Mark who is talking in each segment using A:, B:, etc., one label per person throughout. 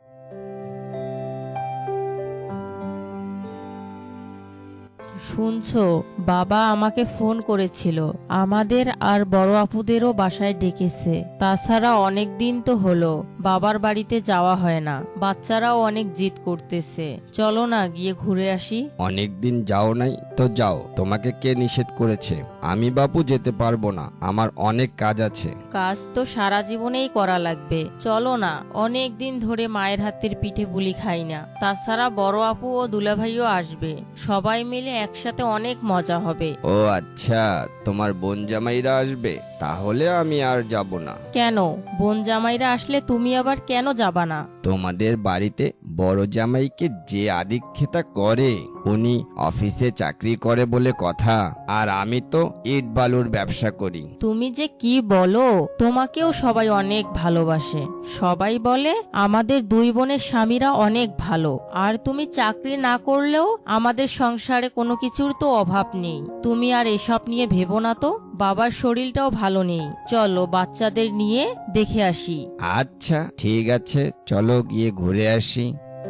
A: শুনছো, বাবা আমাকে ফোন করেছিল, আমাদের আর বড় আপুদেরও বাসায় ডেকেছে। তাছাড়া অনেক দিন তো হলো বাবার বাড়িতে যাওয়া হয় না, বাচ্চারাও অনেক জিদ করতেছে। চলো না গিয়ে ঘুরে আসি।
B: অনেক দিন যাও নাই তো যাও, তোমাকে কে নিষেধ করেছে? আমি বাপু যেতে পারবো না, আমার অনেক কাজ আছে।
A: কাজ তো সারা জীবনেই করা লাগবে, চলো না। অনেক দিন ধরে মায়ের হাতের পিঠে পুলি খাই না। তাছাড়া বড় আপু ও দুলাভাইও আসবে, সবাই মিলে একসাথে অনেক মজা হবে।
B: ও আচ্ছা, তোমার বোন জামাইরা আসবে, তাহলে আমি আর যাব না।
A: কেন? বোন জামাইরা আসলে তুমি আবার কেন যাবা না?
B: তোমাদের বাড়িতে বড় জামাইকে যে আদিক্ষেতা করে, উনি অফিসে চাকরি করে বলে কথা, আর আমি তো ইট বালুর ব্যবসা করি।
A: তুমি যে কি বলো, তোমাকেও সবাই অনেক ভালোবাসে। সবাই বলে আমাদের দুই বোনের স্বামীরা অনেক ভালো, আর তুমি চাকরি না করলেও আমাদের সংসারে কোনো কিছুর তো অভাব নেই। তুমি আর এসব নিয়ে ভেবো না তো। বাবার শরীরটাও ভালো নেই, চলো বাচ্চাদের নিয়ে দেখে আসি।
B: আচ্ছা ঠিক আছে, চলো গিয়ে ঘুরে আসি।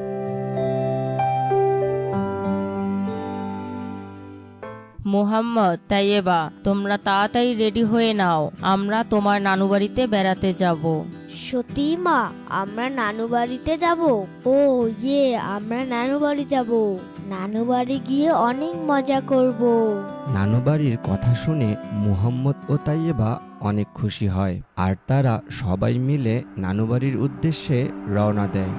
A: মোহাম্মদ, তাইয়েবা, তোমরা তাড়াতাড়ি রেডি হয়ে নাও, আমরা তোমার নানু বাড়িতে বেড়াতে যাব।
C: সত্যি মা, আমরা নানু বাড়িতে যাব? ও ইয়ে, আমরা নানু বাড়ি যাব। নানু বাড়ি গিয়ে অনেক মজা করব।
B: নানুবাড়ির কথা শুনে মুহাম্মদ ও তাইয়েবা অনেক খুশি হয়, আর তারা সবাই মিলে নানুবাড়ির উদ্দেশ্যে রওনা দেয়।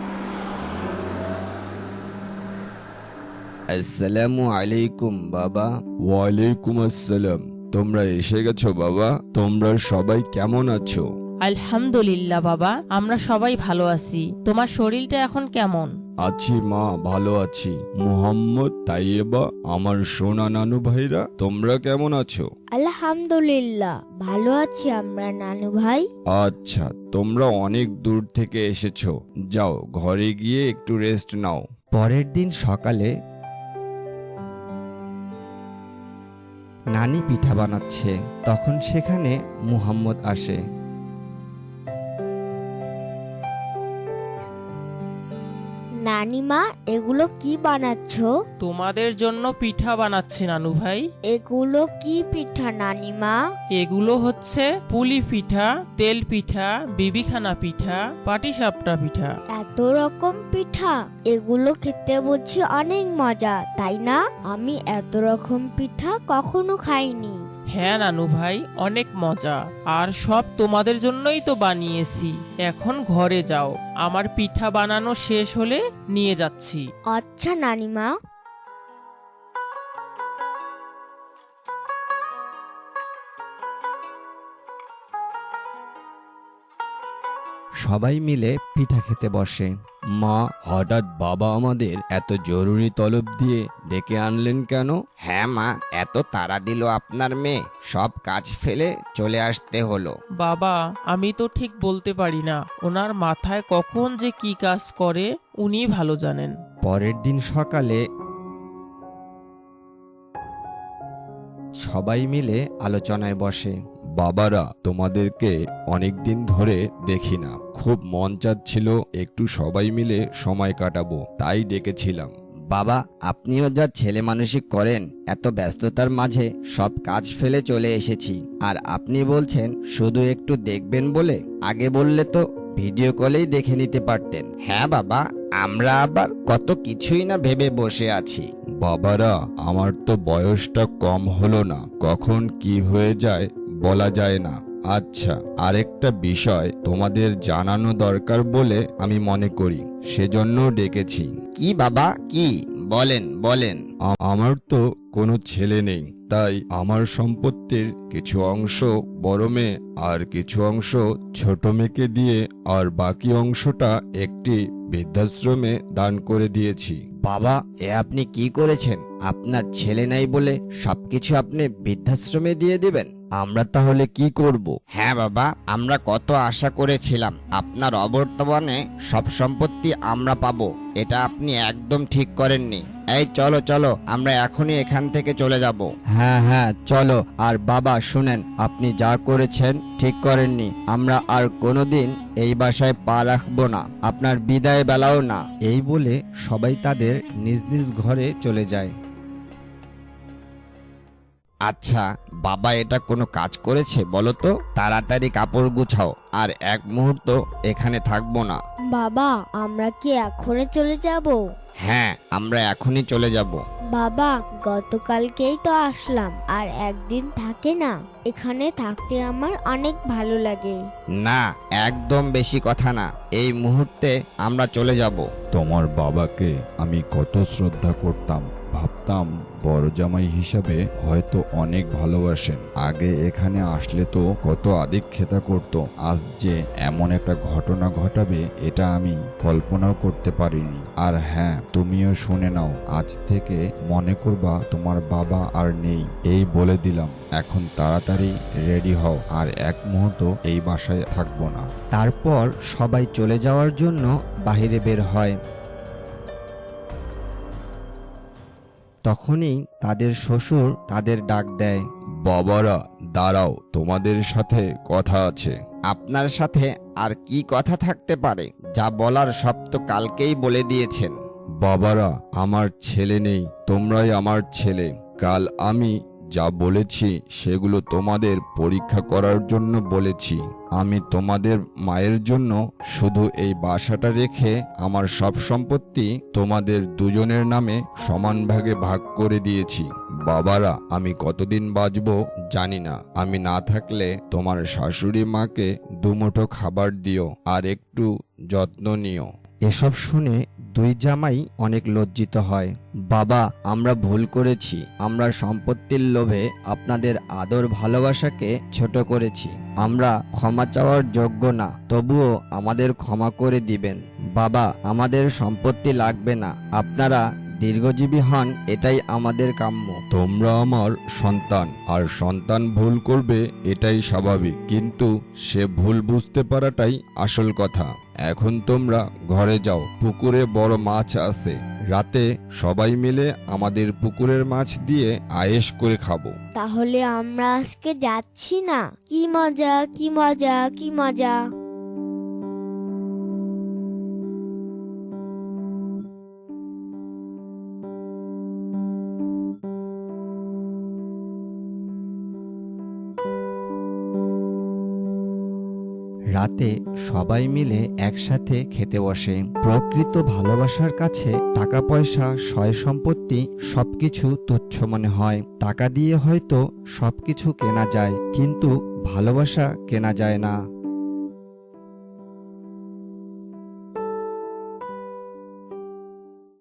B: আসসালামু আলাইকুম বাবা। ওয়ালাইকুম আসসালাম। তোমরা এসে গেছো বাবা? তোমরা সবাই কেমন আছো?
A: আলহামদুলিল্লাহ বাবা, আমরা সবাই ভালো আছি। তোমার শরীরটা এখন কেমন?
D: আছি মা, ভালো আছি। মুহাম্মদ, তাইয়েবা, আমার সোনা নানু ভাইরা, তোমরা কেমন আছো?
C: আলহামদুলিল্লাহ ভালো আছি আমরা নানু ভাই।
D: আচ্ছা, তোমরা অনেক দূর থেকে এসেছো, যাও ঘরে গিয়ে একটু রেস্ট নাও।
B: পরের দিন সকালে নানি পিঠা বানাচ্ছে, তখন সেখানে মুহাম্মদ আসে।
C: নানিমা, এগুলো কি বানাচ্ছো?
A: তোমাদের জন্য পিঠা বানাচ্ছি নানু ভাই।
C: এগুলো কি পিঠা নানিমা?
A: এগুলো হচ্ছে পুলি পিঠা, তেল পিঠা, বিবিখানা পিঠা, পাটিসাপটা পিঠা।
C: এত রকম পিঠা, এগুলো খেতে বুঝি অনেক মজা, তাই না? আমি এত রকম পিঠা কখনো খাইনি।
A: হ্যাঁ নানু ভাই, অনেক মজা, আর সব তোমাদের জন্যই তো বানিয়েছি। এখন ঘরে যাও, আমার পিঠা বানানো শেষ হলে নিয়ে যাচ্ছি।
C: আচ্ছা নানিমা।
B: সবাই মিলে পিঠা খেতে বসে।
D: মা, হঠাৎ বাবা আমাদের এত জরুরি তলব দিয়ে ডেকে আনলেন কেন?
B: হ্যাঁ মা, এত তাড়া দিল আপনার মেয়ে, সব কাজ ফেলে চলে আসতে হলো।
A: বাবা, আমি তো ঠিক বলতে পারি না, ওনার মাথায় কখন যে কি কাজ করে উনি ভালো জানেন।
B: পরের দিন সকালে সবাই মিলে আলোচনায় বসে।
D: বাবারা, তোমাদেরকে অনেক দিন ধরে দেখি না, খুব মন চাচ্ছিল একটু সবাই মিলে সময় কাটাবো, তাই ডেকেছিলাম।
B: বাবা, আপনিও যা ছেলে মানুষই করেন, এত ব্যস্ততার মাঝে সব কাজ ফেলে চলে এসেছি, আর আপনি বলছেন শুধু একটু দেখবেন বলে? আগে বললে তো ভিডিও কলেই দেখে নিতে পারতেন। হ্যাঁ বাবা, আমরা আবার কত কিছুই না ভেবে বসে আছি।
D: বাবারা, আমার তো বয়সটা কম হলো না, কখন কি হয়ে যায় বলা যায় না। আচ্ছা, আরেকটা বিষয় তোমাদের জানানো দরকার বলে আমি মনে করি, সেজন্য ডেকেছি।
B: কি বাবা, কি? বলেন বলেন।
D: আমার তো কোনো ছেলে নেই, তাই আমার সম্পত্তির কিছু অংশ বড় মেয়ে আর কিছু অংশ ছোট মেয়েকে দিয়ে, আর বাকি অংশটা একটি বৃদ্ধাশ্রমে দান করে দিয়েছি।
B: বাবা, এ আপনি কি করেছেন? আপনার ছেলে নাই বলে সবকিছু আপনি বৃদ্ধাশ্রমে দিয়ে দিবেন? আমরা তাহলে কি করব? হ্যাঁ বাবা, আমরা কত আশা করেছিলাম আপনার অবর্তমানে সব সম্পত্তি আমরা পাবো। এটা আপনি একদম ঠিক করেননি। এই চলো চলো, আমরা এখনই এখান থেকে চলে যাব। হ্যাঁ হ্যাঁ চলো। আর বাবা শুনেন, আপনি যা করেছেন ঠিক করেননি। আমরা আর কোনোদিন এই বাসায় পা রাখবো না, আপনার বিদায় বেলাও না। এই বলে সবাই তাদের নিজ নিজ ঘরে চলে যায়। আচ্ছা বাবা, এটা কোনো কাজ করেছে বলো তো? তাড়াতাড়ি কাপড় গুছাও, আর এক মুহূর্ত এখানে থাকবো না।
C: বাবা, আমরা কি এখনই চলে যাব?
B: হ্যাঁ, আমরা এখনই চলে যাব।
C: বাবা, গতকালকেই তো আসলাম, আর একদিন থাকে না? এখানে থাকতে আমার অনেক ভালো লাগে।
B: না, একদম বেশি কথা না, এই মুহূর্তে আমরা চলে যাব।
D: তোমার বাবাকে আমি কত শ্রদ্ধা করতাম, ভাবতাম বড় জামাই হিসাবে হয়তো অনেক ভালোবাসেন। আগে এখানে আসলে তো কত আদিক্ষেতা করত, আজ যে এমন একটা ঘটনা ঘটাবে এটা আমি কল্পনাও করতে পারিনি। আর হ্যাঁ, তুমিও শুনে নাও, আজ থেকে মনে করবা তোমার বাবা আর নেই। এই বলে দিলাম, এখন তাড়াতাড়ি রেডি হও, আর এক মুহূর্ত এই বাসায় থাকবো না।
B: তারপর সবাই চলে যাওয়ার জন্য বাইরে বের হয়। তখনই তাদের শ্বশুর তাদের ডাক দেয়।
D: বাবারা দাঁড়াও, তোমাদের সাথে কথা আছে।
B: আপনার সাথে আর কি কথা থাকতে পারে? যা বলার সব তো কালকেই বলে দিয়েছেন।
D: বাবারা, আমার ছেলে নেই, তোমরাই আমার ছেলে। কাল আমি যা বলেছি সেগুলো তোমাদের পরীক্ষা করার জন্য বলেছি। আমি তোমাদের মায়ের জন্য শুধু এই বাসাটা রেখে আমার সব সম্পত্তি তোমাদের দুজনের নামে সমান ভাগে ভাগ করে দিয়েছি। বাবারা, আমি কতদিন বাঁচবো জানি না, আমি না থাকলে তোমার শাশুড়ি মাকে দুমুঠো খাবার দিও আর একটু যত্ন নিও।
B: এসব শুনে দুই জামাই অনেক লজ্জিত হয়। বাবা, আমরা ভুল করেছি, আমরা সম্পত্তির লোভে আপনাদের আদর ভালোবাসাকে ছোট করেছি। আমরা ক্ষমা চাওয়ার যোগ্য না, তবুও আমাদের ক্ষমা করে দিবেন। বাবা, আমাদের সম্পত্তি লাগবে না, আপনারা দীর্ঘজীবী হন, এটাই আমাদের কাম্য।
D: তোমরা আমার সন্তান, আর সন্তান ভুল করবে এটাই স্বাভাবিক, কিন্তু সে ভুল বুঝতে পারাটাই আসল কথা। এখন তোমরা ঘরে যাও, পুকুরে বড় মাছ আছে, রাতে সবাই মিলে আমাদের পুকুরের মাছ দিয়ে আয়েশ করে খাবো।
C: তাহলে আমরা আজকে যাচ্ছি না? কি মজা, কি মজা, কি মজা!
B: রাতে সবাই মিলে একসাথে খেতে বসে। প্রকৃত ভালোবাসার কাছে টাকা পয়সা সয় সম্পত্তি সবকিছু তুচ্ছ মনে হয়। টাকা দিয়ে হয়তো সবকিছু কেনা যায়, কিন্তু ভালোবাসা কেনা যায় না।